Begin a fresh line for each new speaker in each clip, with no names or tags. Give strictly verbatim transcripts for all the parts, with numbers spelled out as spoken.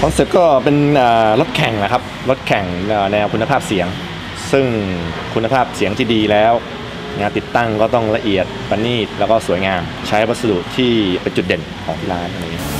คอนเซ็ปต์ก็เป็นรถแข่งนะครับรถแข่งแนวคุณภาพเสียงซึ่งคุณภาพเสียงที่ดีแล้วงานติดตั้งก็ต้องละเอียดประณีตแล้วก็สวยงามใช้วัสดุที่เป็นจุดเด่นของที่ร้านอะไรอย่างนี้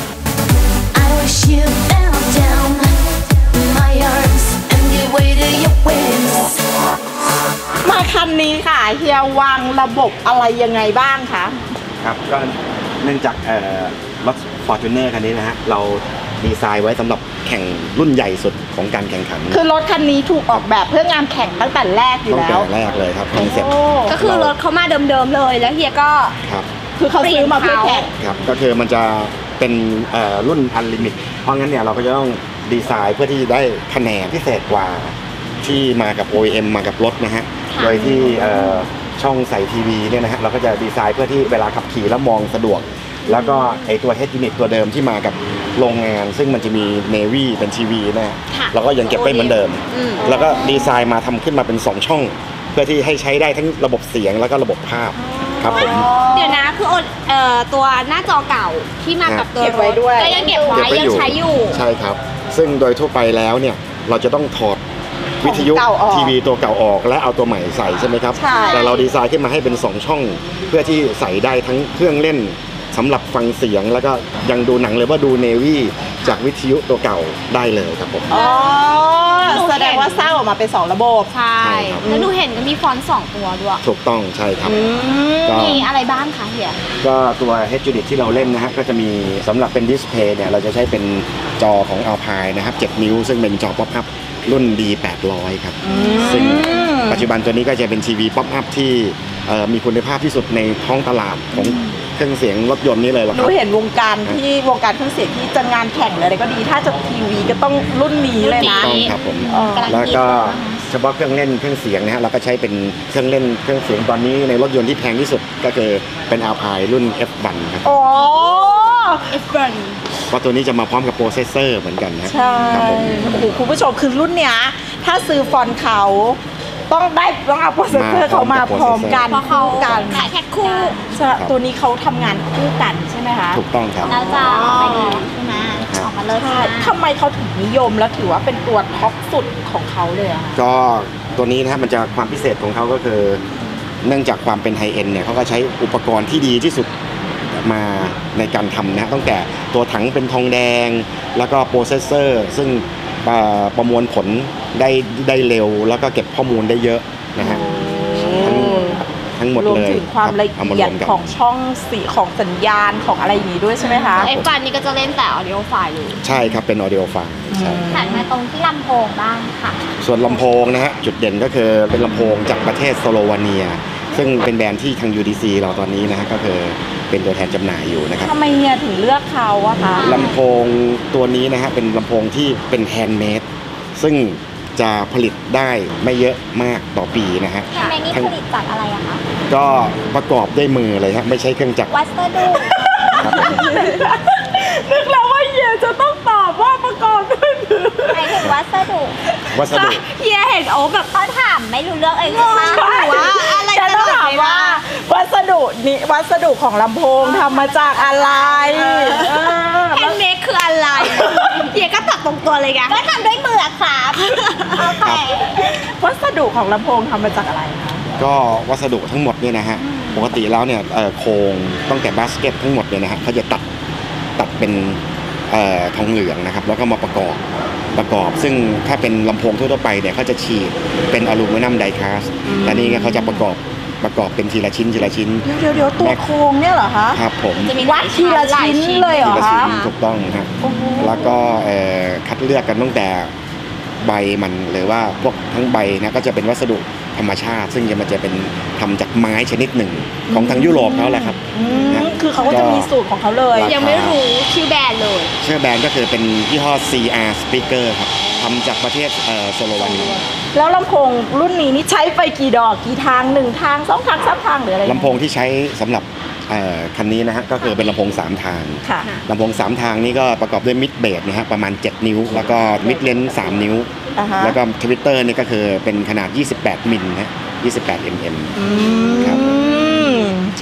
มาคันนี้ค่ะเฮียวางระบบอะไรยังไงบ้างคะ
ครับก็เนื่องจากรถ Fortuner คันนี้นะฮะเราดีไซน์ไว้สำหรับแข่งรุ่นใหญ่สุดของการแข่งขัน
คือรถคันนี้ถูกออกแบบเพื่องานแข่งตั้งแต่แรกอยู่แล้ว
ตั้งแต่แรกเลยครับคอนเซ็ปต์
ก็คือรถเขามาเดิมๆเลยแล้วเฮียก็
ครับ
คือเขาซื้อมาเพื่อแข่ง
ครับก็คือมันจะเป็นรุ่นอันลิมิตเพราะงั้นเนี่ยเราก็จะต้องดีไซน์เพื่อที่จะได้คะแนนพิเศษกว่าที่มากับ โอ อี เอ็ม มากับรถนะฮะโดยที่ช่องใส่ทีวีเนี่ยนะฮะเราก็จะดีไซน์เพื่อที่เวลาขับขี่แล้วมองสะดวกแล้วก็ไอตัว Head Unit ตัวเดิมที่มากับโรงงานซึ่งมันจะมี Navy เป็นทีวีนะเราก็ยังเก็บไว้เหมือนเดิมแล้วก็ดีไซน์มาทำขึ้นมาเป็นสองช่องเพื่อที่ให้ใช้ได้ทั้งระบบเสียงแล้วก็ระบบภาพครับผม
เดี๋ยวนะคือตัวหน้าจอเก่าที่มากับตัว
เก็บไว้ด้วย
ก็ยังเก็บไว้ยังใช้อยู่
ใช่ครับซึ่งโดยทั่วไปแล้วเนี่ยเราจะต้องถอดวิทยุทีวีตัวเก่าออกและเอาตัวใหม่ใส่ใช่ไหมครับแต่เราดีไซน์ขึ้นมาให้เป็นสองช่องเพื่อที่ใส่ได้ทั้งเครื่องเล่นสำหรับฟังเสียงแล้วก็ยังดูหนังเลยว่าดูเนวี่จากวิทยุตัวเก่าได้เลยครับผม
อ๋อแสดงว่าสร้างออกมาเป็นสองระบบ
ใช่แล้วดูเห็นก็มีฟอนต์สองตัวด้วย
ถูกต้องใช่ครับ
มีอะไรบ้างคะเฮีย
ก็ตัว Head Unit ที่เราเล่นนะฮะก็จะมีสำหรับเป็นดิสเพย์เนี่ยเราจะใช้เป็นจอของ Alpine นะครับเจ็ดนิ้วซึ่งเป็นจอป๊อปอัพรุ่น ดี แปดร้อย ครับซึ่งปัจจุบันตัวนี้ก็จะเป็นทีวีป๊อปอัพที่มีคุณภาพที่สุดในท้องตลาดของเครื่องเสียงรถยนต์นี่เลยหรอครับ
ดูเห็นวงการที่วงการเครื่องเสียงที่จะงานแข่งอะไรก็ดีถ้าจะทีวีก็ต้องรุ่นนี้เลยนะ
ต้องครับผมแล้วก็เฉพาะเครื่องเล่นเครื่องเสียงนะฮะเราก็ใช้เป็นเครื่องเล่นเครื่องเสียงตอนนี้ในรถยนต์ที่แพงที่สุดก็คือเป็น Alpine รุ่น เอฟ วัน ครับ
อ๋อ
เอฟ วัน
เพราะตัวนี้จะมาพร้อมกับโปรเซสเซอร์เหมือนกันนะ
ใช่โอ้โหคุณผู้ชมคือรุ่นเนี้ยถ้าซื้อฟอนต์เขาต้องได้ต้องเอาโปรเซสเซอร์เขามาพร้อมกัน
เพราะเขาขายแพ็คคู่
ตัวนี้เขาทำงานคู่กันใช่ไหมคะ
ถูกต้องครับ
แล้วจะออกไปดีใช่ไหมออกมาเลย
ทำไมเขาถึงนิยมแล้วถือว่าเป็นตัวท็อปสุดของเขาเลยอะ
ก็ตัวนี้นะครับมันจะความพิเศษของเขาก็คือเนื่องจากความเป็นไฮเอ็นเนี่ยเขาก็ใช้อุปกรณ์ที่ดีที่สุดมาในการทำนะตั้งแต่ตัวถังเป็นทองแดงแล้วก็โปรเซสเซอร์ซึ่งประมวลผลได้ได้เร็วแล้วก็เก็บข้อมูลได้เยอะนะฮะทั้งทั้งหมดเลย
รวมถึงความละเอียดของช่องสีของสัญญาณของอะไรอย่างนี้ด้วยใช่ไหมคะ
ไอ้ฟันนี่ก็จะเล่นแต่ audio file อยู่
ใช่ครับเป็น audio file ใช่
ถัดมาตรงที่ลำโพงบ้างค่ะ
ส่วนลำโพงนะฮะจุดเด่นก็คือเป็นลำโพงจากประเทศสโลวาเนียซึ่งเป็นแบรนด์ที่ทาง ยู ดี ซี เราตอนนี้นะฮะก็คือเป็นตัวแทนจำหน่ายอยู่นะครับ
ทำไมเฮียถึงเลือกเขาอะคะ
ลำโพงตัวนี้นะฮะเป็นลำโพงที่เป็นแฮนด์เมดซึ่งจะผลิตได้ไม่เยอะมากต่อปีนะฮะ
แฮนด์เมดนี่ผลิตจากอะไรอะคะ
ก็ประกอบด้วยมือเลยฮะไม่ใช่เครื่องจักร
วัสดุ
นึกแล้วว่าเฮียจะต้องตอบว่าประกอบด้วยมือ
หมายถึงวัสดุ
วัสดุ
เฮียเห็นโอ้แบบเขาถามไม่รู้เรื่องเองมากหรือว่าอะไร
จะต้องถามว่าวัสดุนี้วัสดุของลำโพงทำมาจากอะไร
แฮนด์เมดคืออะไรเฮียก็ตอบตรงตัวเลยไงก็ทำด้วยมือครับโอเค
วัสดุของลำโพงทำมาจากอะไรคะ
ก็วัสดุทั้งหมดเนี่ยนะฮะปกติแล้วเนี่ยโครงตั้งแต่บาสเกตทั้งหมดเนี่ยนะฮะเขาจะตัดตัดเป็นทองเหลืองนะครับแล้วก็มาประกอบประกอบซึ่งถ้าเป็นลำโพงทั่วไปเนี่ยเขาจะฉีดเป็นอลูมิเนียมไดคาสต์แต่นี่เขาจะประกอบประกอบเป็นทีละชิ้นทีละชิ้น
เดี๋ยวเดี๋ยวตัวโครงเนี่ยเหรอคะ
ครับผม
วัดทีละชิ้นเลยเหรอคะ
ถูกต้องครับแล้วก็คัดเลือกกันตั้งแต่ใบมันหรือว่าพวกทั้งใบนะก็จะเป็นวัสดุธรรมชาติซึ่งจะมันจะเป็นทำจากไม้ชนิดหนึ่งของทางยุโรปเขาแหละครับ
คือเขาก็จะมีสูตรของเขาเลย
ยังไม่รู้ชื่อแบรนด์เลย
ชื่อแบรนด์ก็คือเป็นยี่ห้อ ซี อาร์ Speaker ครับทำจากประเทศสโลวาเนีย
แล้วลำโพงรุ่นนี้นี่ใช้ไปกี่ดอกกี่ทางหนึ่งทางสองทางสามทางหรืออะไร
ลำโพงที่ใช้สำหรับคันนี้นะฮะก็คือเป็นลำโพงสามทางลำโพงสามทางนี่ก็ประกอบด้วยมิดเบสนะฮะประมาณเจ็ดนิ้วแล้วก็มิดเลนส์สามนิ้วแล้วก็ทวิตเตอร์นี่ก็คือเป็นขนาดยี่สิบแปดมิลนะยี่สิบแปด มิลลิเมตรครับ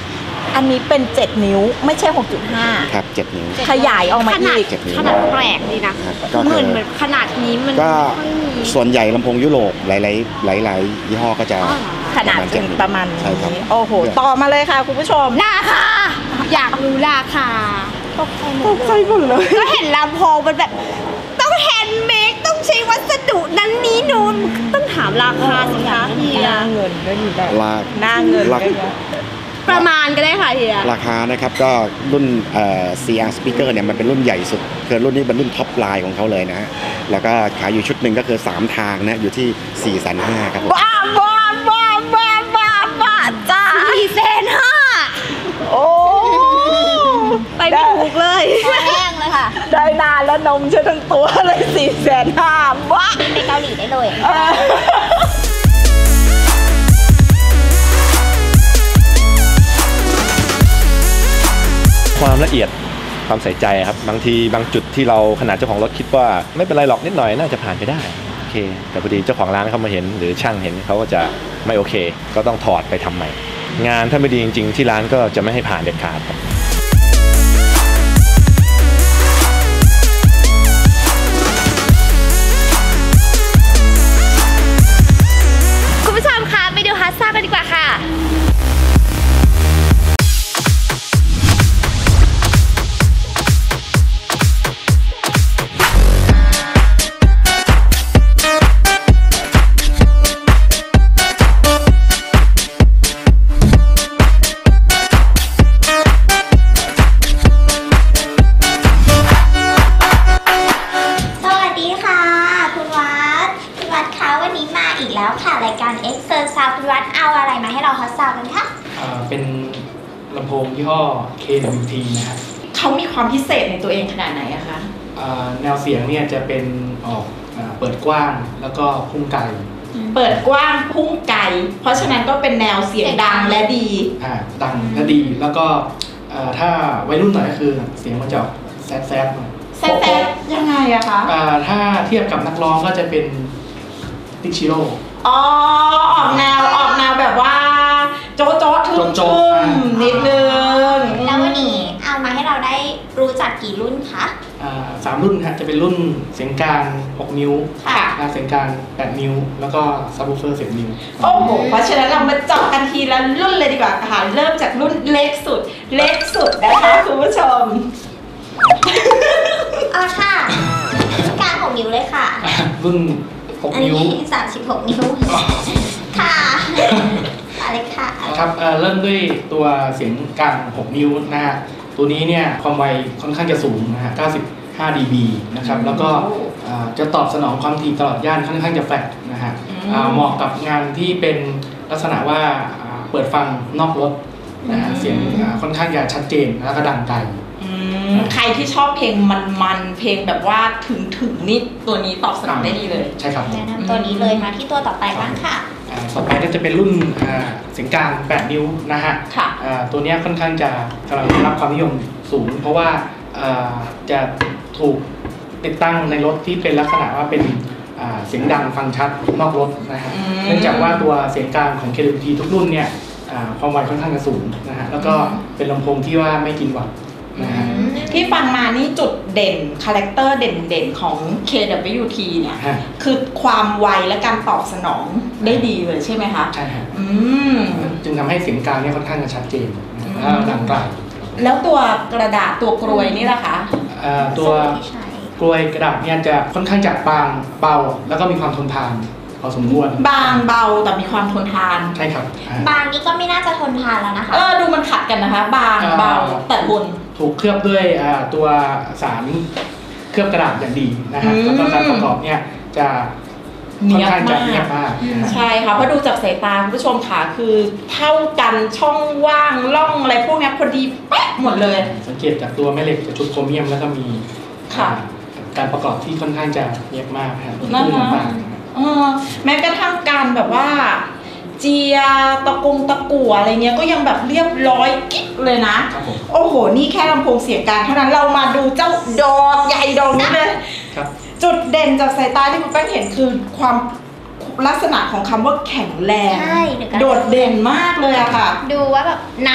อันนี้เป็นเจ็ดนิ้วไม่ใช่ หกจุดห้า
ครับเจ็ดนิ้ว
ขยายออกมา
ขนาด
อีก
เจ็ดนิ้ว
ขนาดแปลกดีนะครับ
ก็
เห
คื
มือน
อ
เหมือนขนาดนี้มัน
ก็
ไม่ค่อยมี
ส่วนใหญ่ลำโพงยุโรปหลายๆหลายๆยี่ห้อก็จะ
อ๋อเหรอ
ขนาด
เจ็ดนิ้ว
ประมาณ
ใช่ครับ
นี้โอ้โหต่อมาเลยค่ะคุณผู้ชม
ราคาอยากรู้ราคา
ตกใจหมดเลย
ก็เห็นลำโพงมันแบบต้องแฮนด์เมดต้องใช้วัสดุนั้นนี้นูนต้องถามราคาสิคะเฮีย
หน้าเงินก็มีแบบ
ลา
หน้าเงิน
รา
ก็มี
ประมาณก็ได้ค่ะเฮีย
ราคานะครับก็รุ่นเอ่อ ซี อาร์ Speaker เนี่ยมันเป็นรุ่นใหญ่สุดคือรุ่นนี้เป็นรุ่นท็อปไลน์ของเขาเลยนะฮะแล้วก็ขายอยู่ชุดหนึ่งก็คือสามทางนะอยู่ที่ สี่แสนห้าหมื่น ครับผม
บ้าบ้าบ้าบ้าบ้าบ้าจ้า
สี่แสนห้า
โอ้
ไปไม่ถูกเลยแห้งเลยค่ะ
ได้นานแล้วนมฉันทั้งตัวเลยสี่แสนห้าบ้า
ไปเกาหลีได้เลย
เออ
ความละเอียดความใส่ใจครับบางทีบางจุดที่เราขนาดเจ้าของรถคิดว่าไม่เป็นไรหรอกนิดหน่อยน่าจะผ่านไปได้โอเคแต่พอดีเจ้าของร้านเขามาเห็นหรือช่างเห็นเขาก็จะไม่โอเคก็ต้องถอดไปทำใหม่งานถ้าไม่ดีจริงๆที่ร้านก็จะไม่ให้ผ่านเด็ดขาดครับ
คุณผู้ชมคะไปดูฮัสซ่ากันดีกว่าค่ะ
สวัสดีค่ะคุณวัดคุณวัดคะวันนี้มาอีกแล้วค่ะรายการ Expert Sound คุณวัดเอาอะไรมาให้เราฮอตซาวกันคะ
อ่าเป็นลำโพงยี่ห้อ เค ดับเบิลยู ที นะครับ
เขามีความพิเศษในตัวเองขนาดไหนอะคะ
อ่าแนวเสียงเนี่ยจะเป็นออกอาเปิดกว้างแล้วก็พุ่งไกล
เปิดกว้างพุ่งไกลเพราะฉะนั้นก็เป็นแนวเสียงดังและดี
อ่าดังและดีแล้วก็อ่าถ้าวัยรุ่นหน่อยก็คือเสียงมันจะออกแซดแซดหน่อย
แซดๆยังไงอะคะ
อ่าถ้าเทียบกับนักร้องก็จะเป็นติกชิโร่
อ๋อออกแนวออกแนวแบบว่าโจ๊ะโจ๊ะทึ่ม
โจ๊ะ
ทึ่
ๆอ่า
มนิดนึง
แล้ววันนี้เอามาให้เราได้รู้จักกี่รุ่นคะ
อ่าสามรุ่นฮะจะเป็นรุ่นเสียงกลางหกนิ้ว
ค่ะ
อ่าเสียงกลางแปดนิ้ว แล้วก็ซับวูเฟอร์สิบนิ้ว
โอ้โหเพราะฉะนั้นเรามาเจาะกันทีละรุ่นเลยดีกว่าค่ะเริ่มจากรุ่นเล็กสุด เล็กสุดนะคะคุณผู้ชม
อ๋อค่ะกลางของนิ้วเลยค่ะ
รุ่นหก
อัน
นิ้ว
นี้สามสิบหกนิ้ว ค่ะอะไรค่ะ
ครับเอ่อเริ่มด้วยตัวเสียงกลางหกนิ้วนะฮะตัวนี้เนี่ยความไวค่อนข้างจะสูงนะฮะเก้าสิบห้า ดี บี นะครับแล้วก็เอ่อจะตอบสนองความถี่ตลอดย่านค่อนข้างจะแฟลตนะฮะ
อืม
อ่าเหมาะกับงานที่เป็นลักษณะว่าอ่าเปิดฟังนอกรถนะฮะเสียงอ่าค่อนข้างจะชัดเจนแล้วก็ดังไกล
อืมใครที่ชอบเพลงมันๆเพลงแบบว่าถึงถึงๆนี่ตัวนี้ตอบสนองได้ดีเลย
ใช่ครับ
แนะนำตัวนี้เลยมาที่ตัวต่อไปบ้างค่ะ
อ่าต่อไปก็จะเป็นรุ่นอ่าเสียงกลางแปดนิ้วนะฮะ
ค่ะ
อ่าตัวเนี้ยค่อนข้างจะกำลังได้รับความนิยมสูง เพราะว่าอ่าจะถูกติดตั้งในรถที่เป็นลักษณะว่าเป็นอ่าเสียงดังฟังชัดนอกรถนะฮะ
อืม
เนื่องจากว่าตัวเสียงกลางของ เค ดับเบิลยู ที ทุกรุ่นเนี่ยอ่าความไวค่อนข้างจะสูงนะฮะแล้วก็เป็นลำโพงที่ว่าไม่กินวัตต์นะฮะ
ที่ฟังมานี่จุดเด่นคาแรคเตอร์เด่นๆของ เค ดับเบิลยู ที เนี่ย
ฮะ
คือความไวและการตอบสนองได้ดีเลยใช่ไหมคะ
ใช่ฮะ
อืม
จึงทำให้เสียงกลางเนี่ยค่อนข้างจะชัดเจนนะฮะแล้วดังไกล
แล้วตัวกระดาษตัวกรวยนี่ล่ะคะ
อ่าตัว
ที่ใช้
กลวยกระดาษเนี่ยจะค่อนข้างจะบางเบาแล้วก็มีความทนทานพอสมควร
บางเบาแต่มีความทนทาน
ใช่ครับอ่า
บางนี้ก็ไม่น่าจะทนทานแล้วนะคะ
เออดูมันขัดกันนะคะ บาง
อ่า
เบาแต่ทน
ถูกเคลือบด้วยอ่าตัวสารเคลือบกระดาษอย่างดีนะฮะ
อืม
แล้วก็การประกอบเนี่ยจะค่อนข้างจะเนียบมากนะฮะ
ใช่ค่ะเพราะดูจากสายตาคุณผู้ชมค่ะคือเท่ากันช่องว่างร่องอะไรพวกเนี้ยพอดีเป๊ะหมดเลย
สังเกตจากตัวแม่เหล็กจะชุดโครเมียมแล้วก็มี
ค่ะ
อ่าการประกอบที่ค่อนข้างจะเนียบมากนะครับ
นั่นนะ
รุ่ต่างๆ
เออแม้กระทั่งการแบบว่า เจียตะกงตะกั่วอะไรเงี้ยก็ยังแบบเรียบร้อยกิ๊บเลยนะครับ
ผม
โอ้โหนี่แค่ลำโพงเสียงกลางเท่านั้นเรามาดูเจ้าดอกใหญ่ดอกนี้เลย
ครับ
จุดเด่นจากสายตาที่คุณแป้งเห็นคือความลักษณะของคำว่าแข็งแรง
ใช่เดี๋ยวกัน
โดดเด่นมากเลยอะค่ะ
ดูว่าแบบหนัก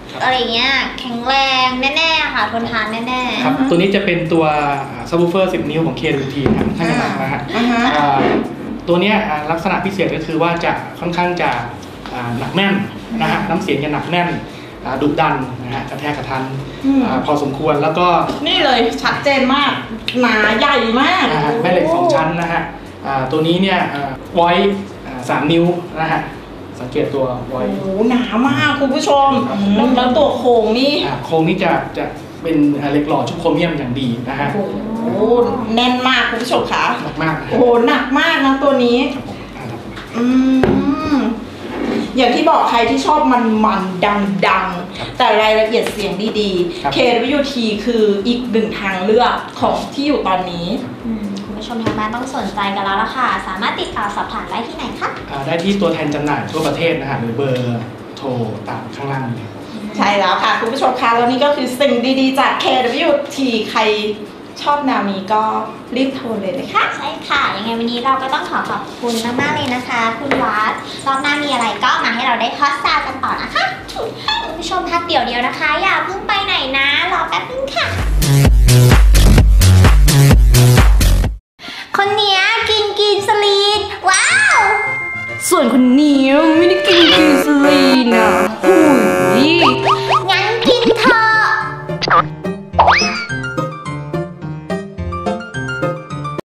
อะไรเงี้ยแข็งแรงแน่ๆค่ะทนทานแน่ๆ
ครับตัวนี้จะเป็นตัวซับวูเฟอร์สิบนิ้วของ เค ดับเบิลยู ที นะครับค่อนข้างจะหนักนะฮะ
อ่าฮะ
อ่าตัวเนี้ยอ่าลักษณะพิเศษก็คือว่าจะค่อนข้างจะอ่าหนักแน่นนะฮะน้ำเสียงจะหนักแน่นอ่าดุดันนะฮะกระแทกกระทัน
อืม
อ่าพอสมควรแล้วก็
นี่เลยชัดเจนมาก หนาใหญ่มาก
นะฮะแม่เหล็กสองชั้นนะฮะอ่าตัวนี้เนี่ยไว้สามนิ้วนะฮะสังเกตตัวไว้
โอ้โหหนามากคุณผู้ชมแล้วแล้วตัวโครงนี่
อ่าโครงนี้จะจะเป็นเหล็กหล่อชุบโครเมียมอย่างดีนะฮะ
โอ้โหแน่นมากคุณผู้ชมคะ
หนักมากนะฮะ
โอ้โหหนักมากนะตัวนี้
ครับผมอ่าครับ
อืมอย่างที่บอกใครที่ชอบมันมันดังดังๆแต่รายละเอียดเสียงดี
ครับ
ๆ เค ดับเบิลยู ที คืออีกหนึ่งทางเลือกของที่อยู่ตอนนี้
อืมคุณผู้ชมทางบ้านต้องสนใจกันแล้วล่ะค่ะ สามารถติดต่อสอบถามได้ที่ไหนคะ
อ่าได้ที่ตัวแทนจำหน่ายทั่วประเทศนะฮะหรือเบอร์โทรตามข้างล่างนี้
ใช่แล้วค่ะ คุณผู้ชมคะแล้วนี่ก็คือสิ่งดีๆ จาก เค ดับเบิลยู ที ใครชอบแนวนี้ก็รีบโทรเลยนะคะ
ใช่ค่ะ ยังไงวันนี้เราก็ต้องขอขอบคุณมากๆเลยนะคะ คุณวัดรอบหน้ามีอะไรก็มาให้เราได้ฮอตซาวกันต่อนะคะคุณผู้ชมพักเดี๋ยวเดียวนะคะ อย่าเพิ่งไปไหนนะ รอแป๊บนึงค่ะ